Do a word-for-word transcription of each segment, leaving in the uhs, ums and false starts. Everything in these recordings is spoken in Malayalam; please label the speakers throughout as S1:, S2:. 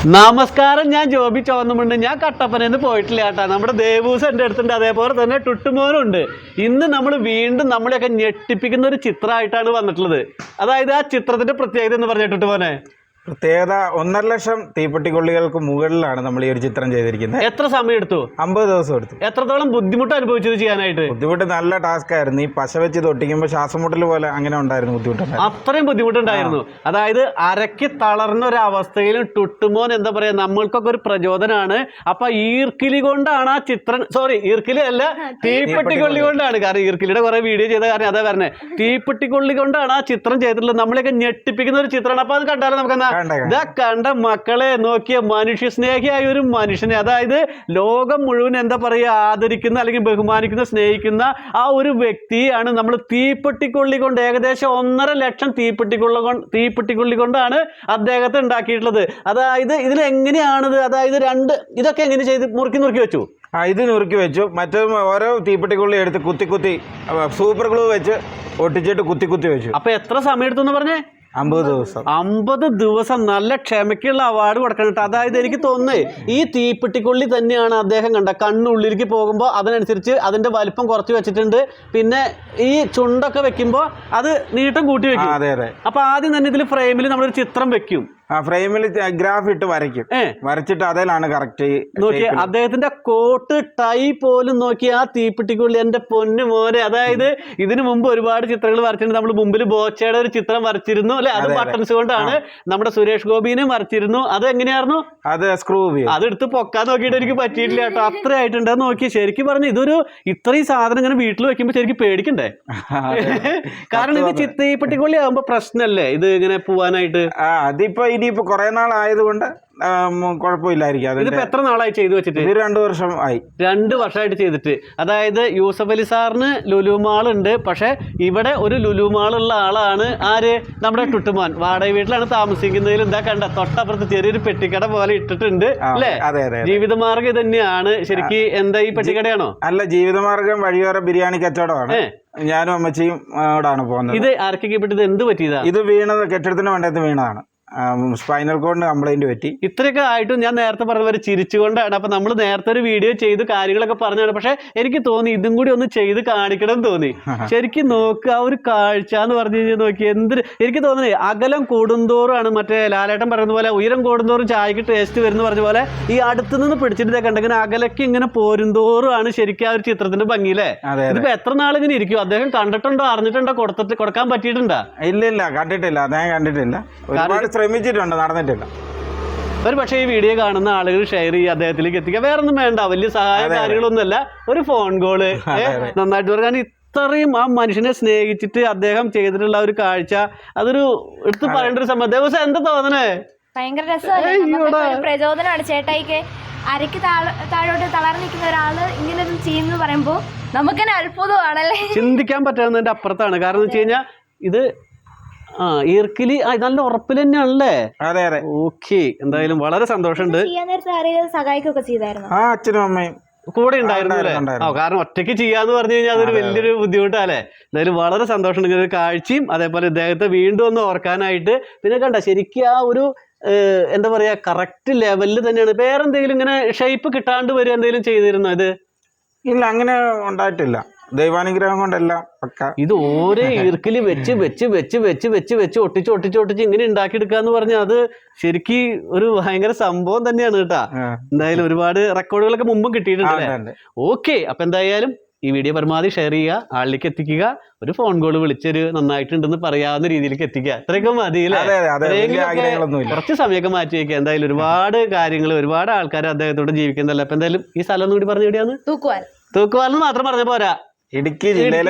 S1: നമസ്കാരം, ഞാൻ ജോബി ചോന്നുമുണ്ട്. ഞാൻ കട്ടപ്പനന്ന് പോയിട്ടില്ല കേട്ടാ. നമ്മുടെ ദേവൂസ് എൻ്റെ അടുത്തുണ്ട്, അതേപോലെ തന്നെ ടുട്ടുമോനുണ്ട്. ഇന്ന് നമ്മൾ വീണ്ടും നമ്മളെയൊക്കെ ഞെട്ടിപ്പിക്കുന്ന ഒരു ചിത്രമായിട്ടാണ് വന്നിട്ടുള്ളത്. അതായത് ആ ചിത്രത്തിന്റെ പ്രത്യേകത എന്ന് പറഞ്ഞ ടുട്ടുമോനെ,
S2: പ്രത്യേകത ഒന്നര ലക്ഷം തീപ്പെട്ടിക്കൊള്ളികൾക്ക് മുകളിലാണ് നമ്മൾ ഈ ഒരു ചിത്രം ചെയ്തിരിക്കുന്നത്.
S1: എത്ര സമയം എടുത്തു?
S2: അമ്പത് ദിവസം എടുത്തു.
S1: എത്രത്തോളം ബുദ്ധിമുട്ട് അനുഭവിച്ചത് ചെയ്യാനായിട്ട്?
S2: ബുദ്ധിമുട്ട് നല്ല ടാസ്ക് ആയിരുന്നു. ഈ പശ വെച്ച് തൊട്ടിക്കുമ്പോൾ ശ്വാസമുട്ടൽ പോലെ അങ്ങനെ ഉണ്ടായിരുന്നു, ബുദ്ധിമുട്ടുണ്ട്.
S1: അത്രയും ബുദ്ധിമുട്ടുണ്ടായിരുന്നു. അതായത് അരക്ക് തളർന്ന ഒരു അവസ്ഥയിലും ടുട്ടുമോൻ എന്താ പറയാ, നമ്മൾക്കൊക്കെ ഒരു പ്രചോദനമാണ്. അപ്പൊ ഈർക്കിലി കൊണ്ടാണ് ആ ചിത്രം, സോറി ഈർക്കിലി അല്ല, തീപ്പെട്ടിക്കൊള്ളി കൊണ്ടാണ്. കാരണം ഈർക്കിലിയുടെ കുറെ വീഡിയോ ചെയ്ത കാരണം അതാ പറഞ്ഞത്. തീപ്പെട്ടിക്കൊള്ളി കൊണ്ടാണ് ആ ചിത്രം ചെയ്തിട്ടുള്ളത്. നമ്മളെയൊക്കെ ഞെട്ടിപ്പിക്കുന്ന ഒരു ചിത്രമാണ്. അപ്പൊ അത് കണ്ടാലും നമുക്ക് ഇതാ കണ്ട മക്കളെ നോക്കിയ മനുഷ്യ സ്നേഹിയായ ഒരു മനുഷ്യനെ, അതായത് ലോകം മുഴുവൻ എന്താ പറയുക ആദരിക്കുന്ന അല്ലെങ്കിൽ ബഹുമാനിക്കുന്ന സ്നേഹിക്കുന്ന ആ ഒരു വ്യക്തിയാണ് നമ്മൾ തീപ്പെട്ടിക്കൊള്ളി കൊണ്ട്, ഏകദേശം ഒന്നര ലക്ഷം തീപ്പെട്ടിക്കൊള്ള കൊണ്ട് തീപ്പെട്ടിക്കൊള്ളി കൊണ്ടാണ് അദ്ദേഹത്തെ ഉണ്ടാക്കിയിട്ടുള്ളത്. അതായത് ഇതിൽ എങ്ങനെയാണിത്, അതായത് രണ്ട് ഇതൊക്കെ എങ്ങനെ ചെയ്ത് മുറുക്കി നുറുക്കി വെച്ചു?
S2: ആ ഇത് നുറുക്കി വെച്ചു. മറ്റേ ഓരോ തീപ്പെട്ടിക്കൊള്ളി എടുത്ത് കുത്തി കുത്തി സൂപ്പർ ഗ്ലൂ വെച്ച് ഒട്ടിച്ചിട്ട് കുത്തി കുത്തി വെച്ചു.
S1: അപ്പൊ എത്ര സമയം എടുത്തു എന്ന് പറഞ്ഞേ?
S2: അമ്പത് ദിവസം.
S1: അമ്പത് ദിവസം നല്ല ക്ഷമയ്ക്കുള്ള അവാർഡ് കൊടുക്കണം. അതായത് എനിക്ക് തോന്നുന്നേ ഈ തീപ്പെട്ടിക്കൊള്ളി തന്നെയാണ് അദ്ദേഹം കണ്ട കണ്ണുള്ളിലേക്ക് പോകുമ്പോൾ അതിനനുസരിച്ച് അതിന്റെ വലിപ്പം കുറച്ച് വെച്ചിട്ടുണ്ട്. പിന്നെ ഈ ചുണ്ടൊക്കെ വെക്കുമ്പോൾ അത് നീട്ടം കൂട്ടി വെക്കും.
S2: അതെ അതെ.
S1: അപ്പൊ ആദ്യം തന്നെ ഇതിൽ ഫ്രെയിമിൽ നമ്മളൊരു ചിത്രം വെക്കും.
S2: ആ ഫ്രെയിമിൽ ഗ്രാഫ് ഇട്ട് വരയ്ക്കും. വരച്ചിട്ട് അതിലാണ് കറക്റ്റ്
S1: നോക്കി അദ്ദേഹത്തിന്റെ കോട്ട് ടൈ പോലും നോക്കി ആ തീപ്പെട്ടിക്കുള്ളി എന്റെ പൊന്നു മോനെ. അതായത് ഇതിനു മുമ്പ് ഒരുപാട് ചിത്രങ്ങൾ വരച്ചിട്ടുണ്ട്. നമ്മൾ മുമ്പിൽ ബോച്ചയുടെ ഒരു ചിത്രം വരച്ചിരുന്നു അല്ലെ, അത് ബട്ടൺസ് കൊണ്ടാണ്. നമ്മുടെ സുരേഷ് ഗോപിനെ വരച്ചിരുന്നു. അത് എങ്ങനെയായിരുന്നു?
S2: അത് സ്ക്രൂ
S1: അതെടുത്ത് പൊക്കാൻ നോക്കിയിട്ട് എനിക്ക് പറ്റിയിട്ടില്ല കേട്ടോ. അത്ര ആയിട്ടുണ്ട്. നോക്കി ശരിക്കും പറഞ്ഞു ഇതൊരു ഇത്രയും സാധനം ഇങ്ങനെ വീട്ടിൽ വെക്കുമ്പോ ശരിക്കും പേടിക്കണ്ടേ? കാരണം ഇത് തീപ്പെട്ടിക്കൊള്ളി ആകുമ്പോ പ്രശ്നമല്ലേ ഇത് ഇങ്ങനെ പോവാനായിട്ട്?
S2: അതിപ്പോ ഇനിയിപ്പോ കുറെ നാളായതുകൊണ്ട് കുഴപ്പമില്ലായിരിക്കും.
S1: ഇതിപ്പോ എത്ര നാളായി ചെയ്തു വെച്ചിട്ട്?
S2: ഇത് രണ്ടു വർഷം ആയി.
S1: രണ്ട് വർഷമായിട്ട് ചെയ്തിട്ട്. അതായത് യൂസഫ് അലി സാറിന് ലുലുമാൾ ഉണ്ട്, പക്ഷെ ഇവിടെ ഒരു ലുലുമാൾ ഉള്ള ആളാണ് ആര്? നമ്മുടെ ടുട്ടുമോൻ. വാടക വീട്ടിലാണ് താമസിക്കുന്നതിൽ എന്താ കണ്ട തൊട്ടപ്പുറത്ത് ചെറിയൊരു പെട്ടിക്കട പോലെ ഇട്ടിട്ടുണ്ട് അല്ലേ? ജീവിതമാർഗം ഇത് തന്നെയാണ് ശരിക്കും. എന്താ ഈ പെട്ടിക്കടയാണോ? അല്ല,
S2: ജീവിതമാർഗം വഴിയോര ബിരിയാണി കച്ചവടമാണ്. ഞാനും അമ്മച്ചിയും ആണ് പോകുന്നത്.
S1: ഇത് ആർക്കൊക്കെ പെട്ടത്? എന്ത് പറ്റിയതാ?
S2: ഇത് വീണത് കെട്ടിടത്തിന് വേണ്ടത് വീണതാണ്. സ്പൈനൽ കോഡിന് കംപ്ലൈന്റ് പറ്റി.
S1: ഇത്രയൊക്കെ ആയിട്ടും ഞാൻ നേരത്തെ പറഞ്ഞ പോലെ ചിരിച്ചുകൊണ്ടാണ്. അപ്പൊ നമ്മൾ നേരത്തെ ഒരു വീഡിയോ ചെയ്ത് കാര്യങ്ങളൊക്കെ പറഞ്ഞാണ്. പക്ഷെ എനിക്ക് തോന്നി ഇതും കൂടി ഒന്ന് ചെയ്ത് കാണിക്കണം എന്ന് തോന്നി. ശരിക്കും നോക്കുക ആ ഒരു കാഴ്ച എന്ന് പറഞ്ഞു കഴിഞ്ഞാൽ നോക്കി എന്തൊരു എനിക്ക് തോന്നുന്നത്. അകലം കൂടുന്തോറുമാണ് മറ്റേ ലാലേട്ടൻ പറയുന്ന പോലെ ഉയരം കൂടുന്തോറും ചായക്ക് ടേസ്റ്റ് വരുന്ന പറഞ്ഞ പോലെ ഈ അടുത്ത് നിന്ന് പിടിച്ചിട്ട് കണ്ടെങ്കിൽ അകലക്ക് ഇങ്ങനെ പോരുന്തോറുമാണ് ശരിക്കും ആ ഒരു ചിത്രത്തിന്റെ ഭംഗിയില്ലേ? ഇതിപ്പോ എത്ര നാളിങ്ങനെ ഇരിക്കും? അദ്ദേഹം കണ്ടിട്ടുണ്ടോ, അറിഞ്ഞിട്ടുണ്ടോ, കൊടുത്തിട്ട് കൊടുക്കാൻ പറ്റിയിട്ടുണ്ടോ?
S2: ഇല്ല ഇല്ല, കണ്ടിട്ടില്ല. അദ്ദേഹം കണ്ടിട്ടില്ല. ഒരുപാട് ശ്രമിച്ചിട്ടുണ്ട്, നടന്നിട്ടില്ല.
S1: ഒരു പക്ഷേ ഈ വീഡിയോ കാണുന്ന ആളുകൾ ഷെയർ ചെയ്യുക, അദ്ദേഹത്തിലേക്ക് എത്തിക്കുക. വേറെ ഒന്നും വേണ്ട, വലിയ സഹായ കാര്യങ്ങളൊന്നുമല്ല. ഒരു ഫോൺ കോള് നന്നായിട്ട് പറയാൻ ഇത്രയും ആ മനുഷ്യനെ സ്നേഹിച്ചിട്ട് അദ്ദേഹം ചെയ്തിട്ടുള്ള ഒരു കാഴ്ച അതൊരു എടുത്ത് പറയേണ്ട ഒരു സമയം. ദിവസം എന്താ തോന്നണേ?
S3: ഭയങ്കര രസമല്ലേ, പ്രചോദനമാണ് ചേട്ടായിക്ക്. അരക്ക് താഴോട്ട് തളർന്നു നിൽക്കുന്ന ഒരാള് ഇങ്ങനെ ചെയ്യുന്നു പറയുമ്പോ നമുക്ക് തന്നെ അത്ഭുതമാണല്ലേ.
S1: ചിന്തിക്കാൻ പറ്റാവുന്നതിന്റെ അപ്പുറത്താണ്. കാരണം എന്ന് വെച്ച് കഴിഞ്ഞാൽ ഇത് ആ ഈർക്കിലി നല്ല ഉറപ്പിൽ തന്നെയാണല്ലേ?
S2: അതെ അതെ.
S1: ഓക്കെ, എന്തായാലും വളരെ സന്തോഷമുണ്ട്.
S3: സഹായിക്കൊക്കെ ചെയ്തായിരുന്നു.
S2: ആ അച്ഛനും അമ്മയും
S1: കൂടെ ഉണ്ടായിരുന്നു അല്ലേ? ആ കാരണം ഒറ്റയ്ക്ക് ചെയ്യാന്ന് പറഞ്ഞു കഴിഞ്ഞാൽ അതൊരു വലിയൊരു ബുദ്ധിമുട്ടല്ലേ? എന്തായാലും വളരെ സന്തോഷമുണ്ട് ഇങ്ങനെ ഒരു കാഴ്ചയും. അതേപോലെ ഇദ്ദേഹത്തെ വീണ്ടും ഒന്ന് ഓർക്കാനായിട്ട്. പിന്നെ കണ്ട ശരിക്കും ആ ഒരു എന്താ പറയാ കറക്റ്റ് ലെവലിൽ തന്നെയാണ്. വേറെന്തെങ്കിലും ഇങ്ങനെ ഷേപ്പ് കിട്ടാണ്ട് വരും എന്തെങ്കിലും ചെയ്തിരുന്നോ? ഇത്
S2: ഇല്ല, അങ്ങനെ ഉണ്ടായിട്ടില്ല. ദൈവാനുഗ്രഹം കൊണ്ടല്ല പക്ക.
S1: ഇത് ഓരോ ഈർക്കില് വെച്ച് വെച്ച് വെച്ച് വെച്ച് വെച്ച് വെച്ച് ഒട്ടിച്ച് ഒട്ടിച്ച് ഒട്ടിച്ച് ഇങ്ങനെ ഉണ്ടാക്കിയെടുക്കുക എന്ന് പറഞ്ഞാൽ അത് ശരിക്കും ഒരു ഭയങ്കര സംഭവം തന്നെയാണ് കേട്ടാ. എന്തായാലും ഒരുപാട് റെക്കോർഡുകളൊക്കെ മുമ്പും കിട്ടിയിട്ടുണ്ട്. ഓക്കെ, അപ്പൊ എന്തായാലും ഈ വീഡിയോ പരമാവധി ഷെയർ ചെയ്യുക, ആളിലേക്ക് എത്തിക്കുക. ഒരു ഫോൺ കോൾ വിളിച്ചൊരു നന്നായിട്ടുണ്ടെന്ന് പറയാവുന്ന രീതിയിലേക്ക് എത്തിക്കുക. അത്രയൊക്കെ മതി അല്ലേ? കുറച്ച് സമയമൊക്കെ മാറ്റി വയ്ക്കുക. എന്തായാലും ഒരുപാട് കാര്യങ്ങൾ, ഒരുപാട് ആൾക്കാർ അദ്ദേഹത്തോട് ജീവിക്കുന്നതല്ല. അപ്പൊ എന്തായാലും ഈ സ്ഥലം ഒന്നുകൂടി പറഞ്ഞു എവിടെയാണ്?
S3: തൂക്കുവാൽ.
S1: തൂക്കുവാലെന്ന് മാത്രം പറഞ്ഞ പോരാ,
S2: ഇടുക്കി ജില്ലയിലെ.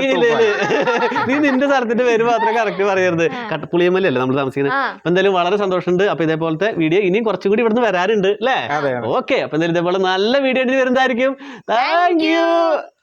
S1: നീ നിന്റെ സ്ഥലത്തിന്റെ പേര് മാത്രമേ കറക്റ്റ് പറയരുത്. കട്ടപ്പുളിയമ്മലല്ലേ നമ്മൾ താമസിക്കുന്നത്. അപ്പൊ എന്തായാലും വളരെ സന്തോഷമുണ്ട്. അപ്പൊ ഇതേപോലത്തെ വീഡിയോ ഇനിയും കുറച്ചും കൂടി ഇവിടുന്ന് വരാറുണ്ട് അല്ലേ? ഓക്കെ, അപ്പൊ എന്തായാലും ഇതേപോലെ നല്ല വീഡിയോ വരുന്നതായിരിക്കും. Thank U.